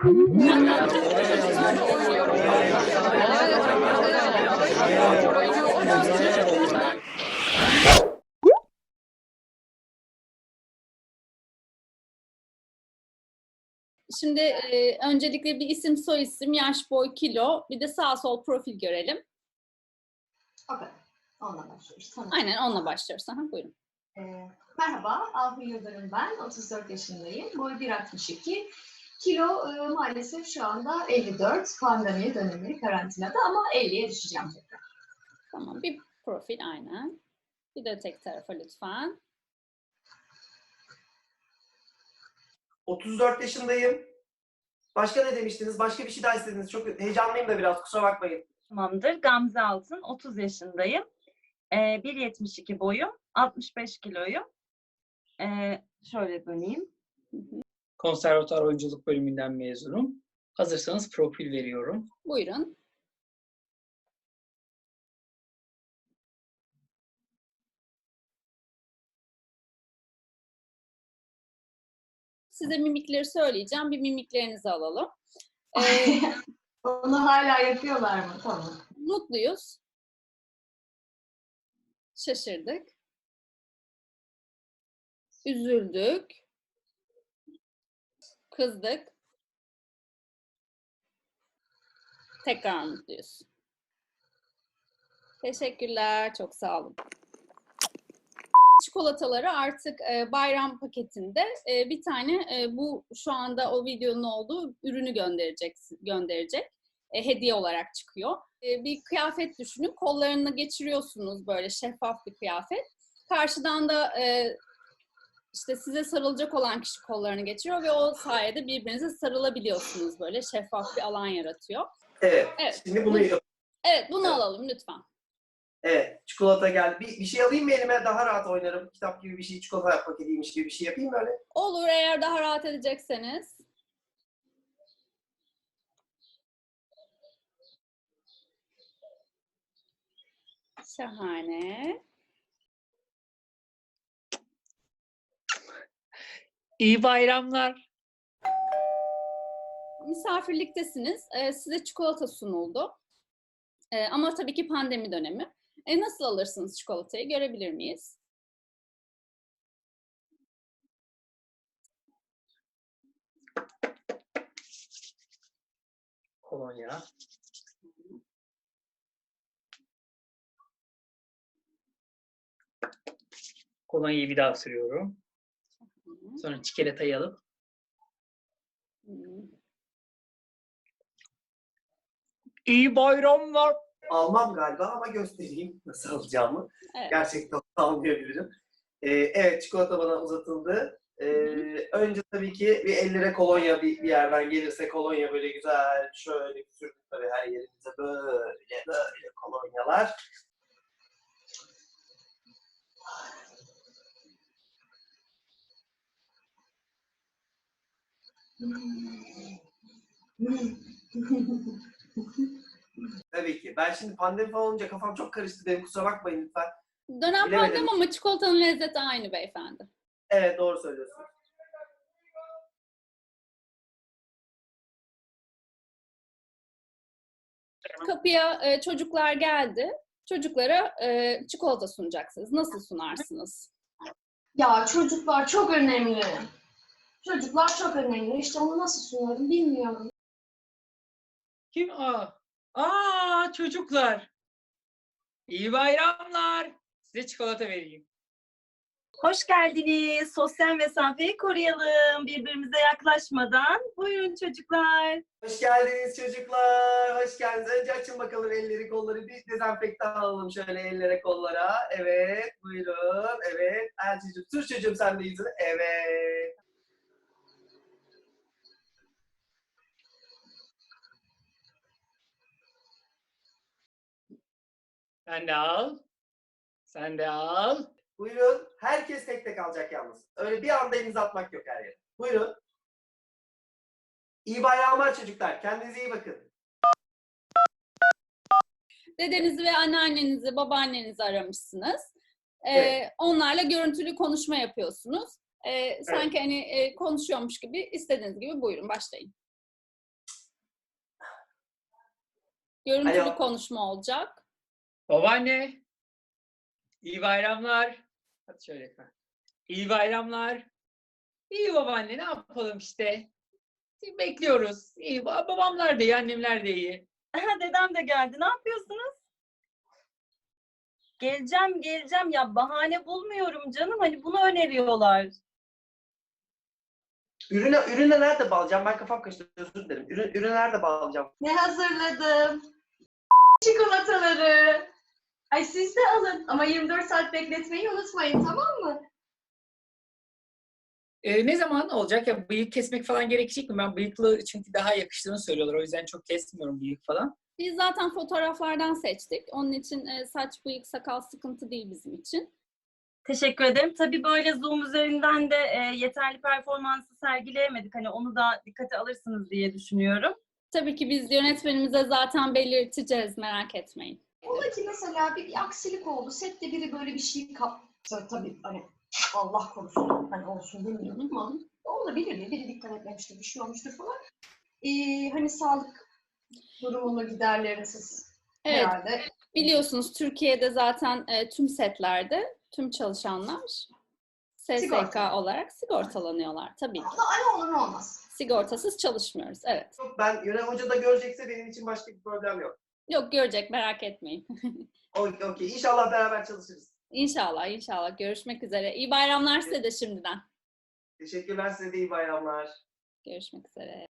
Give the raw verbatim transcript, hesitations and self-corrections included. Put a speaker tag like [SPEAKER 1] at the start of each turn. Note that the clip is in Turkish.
[SPEAKER 1] Şimdi e, öncelikle bir isim, soyisim, yaş, boy, kilo, bir de sağ sol profil görelim.
[SPEAKER 2] Okay. Onunla başlıyoruz. Tanıtım.
[SPEAKER 1] Aynen onunla başlıyoruz. Aha, buyurun.
[SPEAKER 2] Ee, merhaba, Ahu Yıldırım ben. otuz dört yaşındayım. Boy bir altmış iki. Kilo e, maalesef şu anda elli dört. Pandemi dönemi karantinada ama elliye düşeceğim tekrar.
[SPEAKER 1] Tamam, bir profil aynen. Bir de tek tarafa lütfen.
[SPEAKER 3] otuz dört yaşındayım. Başka ne demiştiniz? Başka bir şey daha istediniz. Çok heyecanlıyım da biraz, kusura bakmayın.
[SPEAKER 4] Tamamdır. Gamze Altın, otuz yaşındayım. Ee, bir yetmiş iki boyum, altmış beş kiloyum. Ee, şöyle döneyim.
[SPEAKER 5] Konservatuar oyunculuk bölümünden mezunum. Hazırsanız profil veriyorum.
[SPEAKER 1] Buyurun. Size mimikleri söyleyeceğim. Bir mimiklerinizi alalım. Ee,
[SPEAKER 2] Onu hala yapıyorlar mı? Tamam.
[SPEAKER 1] mutluyuz. Şaşırdık. Üzüldük. Kızdık. Tekrar mutluyuz. Teşekkürler. Çok sağ olun. Çikolataları artık e, bayram paketinde e, bir tane e, bu şu anda o videonun olduğu ürünü gönderecek gönderecek. E, hediye olarak çıkıyor. E, bir kıyafet düşünün. Kollarını geçiriyorsunuz, böyle şeffaf bir kıyafet. Karşıdan da e, işte size sarılacak olan kişi kollarını geçiriyor ve o sayede birbirinize sarılabiliyorsunuz, böyle şeffaf bir alan yaratıyor.
[SPEAKER 3] Evet.
[SPEAKER 1] Evet.
[SPEAKER 3] Şimdi bunu yap-
[SPEAKER 1] Evet, bunu
[SPEAKER 3] Evet.
[SPEAKER 1] alalım lütfen.
[SPEAKER 3] Evet. Çikolata geldi. Bir, bir şey alayım mı elime? Daha rahat oynarım. Kitap gibi bir şey, çikolata paketiymiş gibi bir şey yapayım mı öyle?
[SPEAKER 1] Olur, eğer daha rahat edecekseniz. Şahane.
[SPEAKER 5] İyi bayramlar.
[SPEAKER 1] Misafirliktesiniz. Ee, size çikolata sunuldu. Ee, ama tabii ki pandemi dönemi. E, nasıl alırsınız çikolatayı? Görebilir miyiz?
[SPEAKER 5] Kolonya. Kolonyayı bir daha sürüyorum. Sonra çikolatayı alıp
[SPEAKER 1] Hmm.
[SPEAKER 5] İyi bayramlar.
[SPEAKER 3] Almam galiba ama göstereyim nasıl alacağımı.
[SPEAKER 1] Evet.
[SPEAKER 3] Gerçekten almayabilirim. Ee, evet, çikolata bana uzatıldı. Ee, önce tabii ki bir ellere kolonya bir, bir yerden gelirse kolonya böyle güzel şöyle sürdük böyle her yerimize böyle böyle kolonyalar. Tabii ki. Ben şimdi pandemi falan olunca kafam çok karıştı benim, kusura bakmayın lütfen.
[SPEAKER 1] Dönem
[SPEAKER 3] Bilemedim.
[SPEAKER 1] pandemi ama çikolatanın lezzeti aynı beyefendi.
[SPEAKER 3] Evet, doğru söylüyorsun.
[SPEAKER 1] Kapıya e, çocuklar geldi. Çocuklara e, çikolata sunacaksınız. Nasıl sunarsınız?
[SPEAKER 2] Ya çocuklar çok önemli. Çocuklar çok önemli. İşte onu nasıl sunarım bilmiyorum.
[SPEAKER 5] Kim? Aa, Aa çocuklar. İyi bayramlar. Size çikolata vereyim.
[SPEAKER 4] Hoş geldiniz. Sosyal mesafeyi koruyalım birbirimize yaklaşmadan. Buyurun çocuklar.
[SPEAKER 3] Hoş geldiniz çocuklar. Hoş geldiniz. Önce açın bakalım elleri kolları. Bir dezenfektan alalım şöyle ellere kollara. Evet. Buyurun. Evet. Elçicim. Sür çocuğum sen de yüzünü. Evet.
[SPEAKER 5] Sen de al. Sen de al.
[SPEAKER 3] Buyurun. Herkes tek tek alacak yalnız. Öyle bir anda elinizi atmak yok her yere. Buyurun. İyi bayramlar çocuklar. Kendinize iyi bakın.
[SPEAKER 1] Dedenizi ve anneannenizi, babaannenizi aramışsınız. Ee,
[SPEAKER 3] Evet.
[SPEAKER 1] Onlarla görüntülü konuşma yapıyorsunuz. Ee, sanki hani e, konuşuyormuş gibi, istediğiniz gibi buyurun başlayın. Görüntülü
[SPEAKER 3] Alo.
[SPEAKER 1] konuşma olacak.
[SPEAKER 5] Babaanne. İyi bayramlar. Hadi şöyle efendim. İyi bayramlar. İyi babaanne ne yapalım işte. Bekliyoruz. İyi, babamlar da iyi, annemler de iyi.
[SPEAKER 4] Dedem de geldi. Ne yapıyorsunuz? Geleceğim, geleceğim. Ya bahane bulmuyorum canım. Hani bunu öneriyorlar.
[SPEAKER 3] Ürüne, ürüne nerede bağlayacağım? Ben kafam karıştı, özür dilerim. Ürün, ürüne nerede bağlayacağım?
[SPEAKER 2] Ne hazırladım? Çikolataları. Ay siz de alın ama yirmi dört saat bekletmeyi unutmayın, tamam mı?
[SPEAKER 5] Ee, ne zaman olacak ya, bıyık kesmek falan gerekecek mi? Ben bıyıklı çünkü daha yakıştığını söylüyorlar. O yüzden çok kesmiyorum bıyık falan.
[SPEAKER 1] Biz zaten fotoğraflardan seçtik. Onun için e, saç, bıyık, sakal sıkıntı değil bizim için.
[SPEAKER 4] Teşekkür ederim. Tabii böyle Zoom üzerinden de e, yeterli performansı sergileyemedik. Hani onu da dikkate alırsınız diye düşünüyorum.
[SPEAKER 1] Tabii ki biz yönetmenimize zaten belirteceğiz, merak etmeyin.
[SPEAKER 2] Ola ki mesela bir, bir aksilik oldu. Sette biri böyle bir şey kaptı. Tabii hani Allah korusun hani olsun bilmiyorum ama olabilir ya. Biri dikkat etmemiştir, bir şey olmuştur falan. Ee, hani sağlık durumunu giderleriniz
[SPEAKER 1] Evet,
[SPEAKER 2] herhalde.
[SPEAKER 1] biliyorsunuz Türkiye'de zaten e, tüm setlerde tüm çalışanlar S S K
[SPEAKER 2] Sigorta.
[SPEAKER 1] olarak sigortalanıyorlar tabii ki.
[SPEAKER 2] Ama ne olur ne olmaz.
[SPEAKER 1] Sigortasız çalışmıyoruz, evet.
[SPEAKER 3] Yok, ben Yönem Hoca da görecekse benim için başka bir problem yok.
[SPEAKER 1] Yok, görecek, merak etmeyin.
[SPEAKER 3] Okey, okey. İnşallah beraber çalışırız.
[SPEAKER 1] İnşallah, inşallah. Görüşmek üzere. İyi bayramlar size de şimdiden.
[SPEAKER 3] Teşekkürler, size de iyi bayramlar.
[SPEAKER 1] Görüşmek üzere.